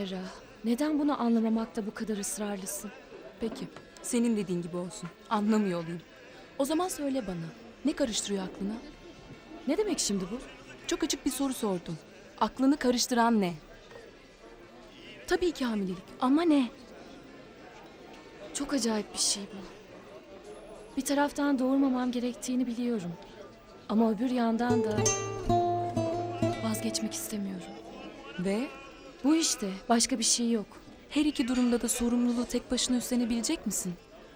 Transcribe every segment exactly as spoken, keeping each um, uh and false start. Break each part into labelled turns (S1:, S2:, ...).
S1: Hazara, neden bunu anlamamakta bu kadar ısrarlısın?
S2: Peki, senin dediğin gibi olsun. Anlamıyor olayım. O zaman söyle bana, ne karıştırıyor aklına?
S1: Ne demek şimdi bu?
S2: Çok açık bir soru sordun. Aklını karıştıran ne? Tabii ki hamilelik ama ne?
S1: Çok acayip bir şey bu. Bir taraftan doğurmamam gerektiğini biliyorum. Ama öbür yandan da vazgeçmek istemiyorum.
S2: Ve
S1: Bu işte, başka bir şey yok.
S2: her iki durumda da sorumluluğu tek başına üstlenebilecek misin?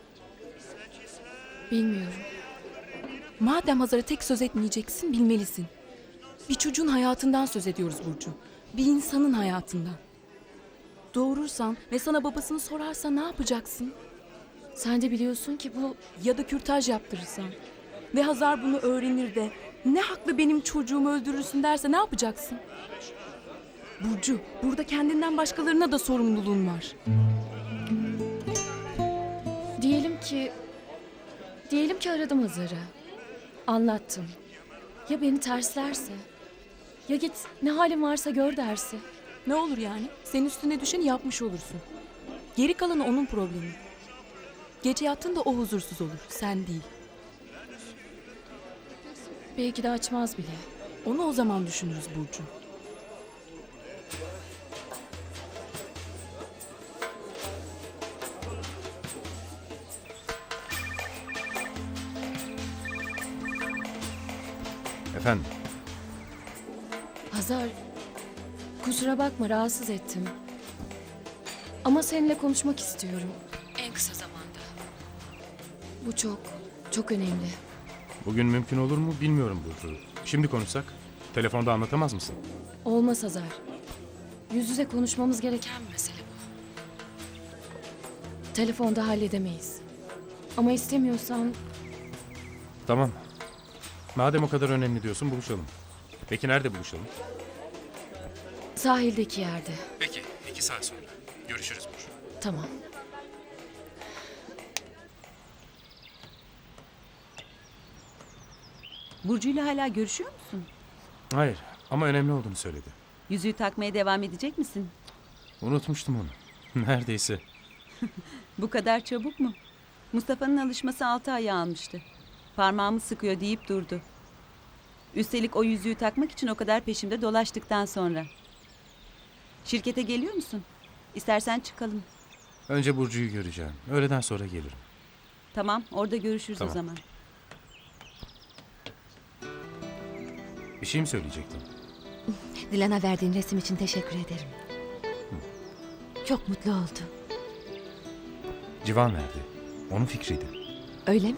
S1: Bilmiyorum.
S2: Madem Hazar'a tek söz etmeyeceksin, bilmelisin. Bir çocuğun hayatından söz ediyoruz Burcu. Bir insanın hayatından. Doğurursan ve sana babasını sorarsa ne yapacaksın?
S1: Sen de biliyorsun ki bu...
S2: Ya da kürtaj yaptırırsan ve Hazar bunu öğrenir de ne haklı benim çocuğumu öldürürsün derse ne yapacaksın? Burcu, burada kendinden başkalarına da sorumluluğun var.
S1: Diyelim ki... Diyelim ki aradım Hazar'ı. Anlattım. Ya beni terslerse? Ya git ne halin varsa gör derse?
S2: Ne olur yani? Senin üstüne düşeni yapmış olursun. Geri kalanı onun problemi. Gece yattığında o huzursuz olur, sen değil.
S1: Belki de açmaz bile.
S2: Onu o zaman düşünürüz Burcu.
S3: Efendim,
S1: Hazar, kusura bakma rahatsız ettim. Ama seninle konuşmak istiyorum. En kısa zamanda. Bu çok, çok önemli.
S3: bugün mümkün olur mu bilmiyorum Burcu. Şimdi konuşsak, telefonda anlatamaz mısın?
S1: Olmaz Hazar. Yüz yüze konuşmamız gereken bir mesele bu. Telefonda halledemeyiz. Ama istemiyorsan
S3: Tamam. Madem o kadar önemli diyorsun, buluşalım. Peki nerede buluşalım?
S1: sahildeki yerde.
S3: Peki, iki saat sonra. Görüşürüz Burcu.
S1: Tamam.
S4: Burcu'yla hala görüşüyor musun?
S3: Hayır, ama önemli olduğunu söyledi.
S4: Yüzüğü takmaya devam edecek misin?
S3: Unutmuştum onu. Neredeyse.
S4: Bu kadar çabuk mu? Mustafa'nın alışması altı ay almıştı. Parmağımı sıkıyor deyip durdu. Üstelik o yüzüğü takmak için o kadar peşimde dolaştıktan sonra. Şirkete geliyor musun? İstersen çıkalım.
S3: Önce Burcu'yu göreceğim. Öğleden sonra gelirim.
S4: Tamam, orada görüşürüz
S3: Tamam.
S4: o zaman.
S3: Bir şey mi söyleyecektin?
S5: Dilan'a verdiğin resim için teşekkür ederim. Çok mutlu oldu.
S3: Civan verdi. Onun fikriydi.
S5: Öyle mi?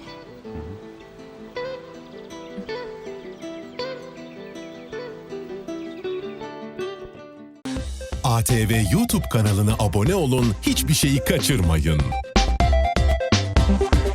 S6: A T V YouTube kanalına abone olun, hiçbir şeyi kaçırmayın.